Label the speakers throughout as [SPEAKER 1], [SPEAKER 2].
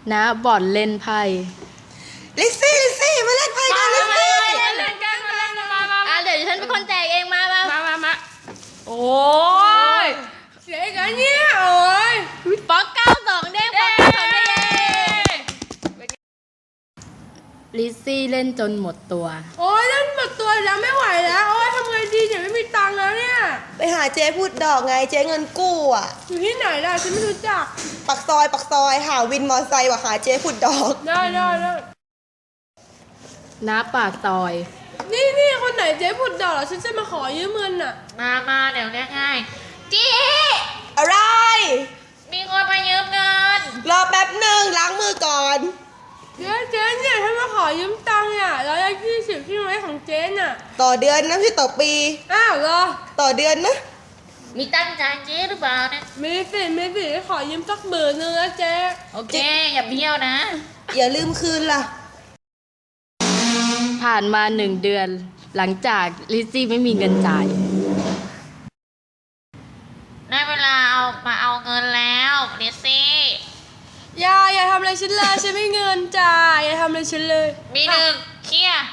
[SPEAKER 1] นะบ่อนเล่นไพ่
[SPEAKER 2] ลิซซี่มาเล่นไพ่กันลิซซี่
[SPEAKER 1] เล่นกันมาเดี๋ยวฉันเป็นคนแจกเองมา
[SPEAKER 3] โอ้ยเสียกันเนี่ยโอ้ย
[SPEAKER 1] ป๊อก92เด้งป๊อก92เด้งลิซซี่เล่นจนหมดตัว
[SPEAKER 3] โอ้ยเล่นหมดตัวแล้วไม่ไหวแล้วโอ้ยทำไงดีเนี่ยไม่มีตังค์แล้วเนี่ย
[SPEAKER 2] ไปหาเจ๊พูดดอกไงเจ๊เงินกู้อ่ะ
[SPEAKER 3] อยู่ที่ไหนล่ะฉันไม่รู้จัก
[SPEAKER 2] ปักซอยหาวินมอไซค์ว่าหาเจ๊พูดดอก
[SPEAKER 3] ได้
[SPEAKER 1] น้าปากซอย
[SPEAKER 3] นี่คนไหนเจ๊พูดดอกเหรอฉันจะมาขอยืมเงินอ่ะ
[SPEAKER 4] มาเดี๋ยวเรียกให้เจ๊
[SPEAKER 2] อะไร
[SPEAKER 4] มีคนมายืมเงิน
[SPEAKER 2] รอแป๊บหนึ่งล้างมือก่อน
[SPEAKER 3] เจ๊เนี่ยฉันมาขอยืมตังค์อ่ะ120ที่ไว้ของเจ๊น่ะ
[SPEAKER 2] ต่อเดือนนะพี่ต่อปี
[SPEAKER 3] อ้าวเหรอ
[SPEAKER 2] ต่อเดือนนะ
[SPEAKER 4] มีตั้งใจเจ๊หรือเปล่าเนี่ย
[SPEAKER 3] ไม่สิขอยืมสัก10,000นึงนะเจ๊
[SPEAKER 4] โอเคอย่าเบี้ยวนะ
[SPEAKER 2] อย่าลืมคืนล่ะ
[SPEAKER 1] ผ่านมา1 เดือนหลังจากลิซซี่ไม่มีเงินจ่าย
[SPEAKER 4] ได้เวลามาเอาเงินแล้วลิซซี่
[SPEAKER 3] อย่าทำอะไรฉันเลยฉันไม่เงินจ่ายอย่าทำอะไรฉันเลย
[SPEAKER 4] มีหนึ่งเคลียร์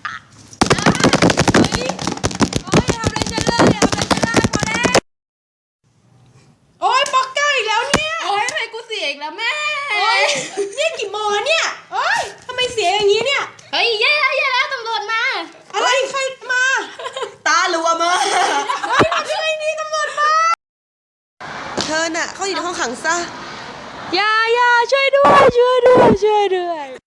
[SPEAKER 3] อย่าทำอะไรฉันเลยพอแล้วโอ๊ยป๊อกเก้าอีกแล้วเนี่ย
[SPEAKER 1] โอ๊ยทำไมกูเสียอีกแล้วแม่
[SPEAKER 3] โอ๊ยนี่กี่โมงแล้วเนี่ยโอ๊ยทำไมเสียอย่างนี้เนี่ย
[SPEAKER 1] เฮ้ยแย่แล้วตำรวจมา
[SPEAKER 3] อะไรใครมา
[SPEAKER 2] ตาลัวมา
[SPEAKER 3] เฮ้ยมาช่วยนี่ตำรวจมา
[SPEAKER 2] เธอน่ะเขาอยู่ในห้องขังซะ
[SPEAKER 3] อย่าช่วยด้วย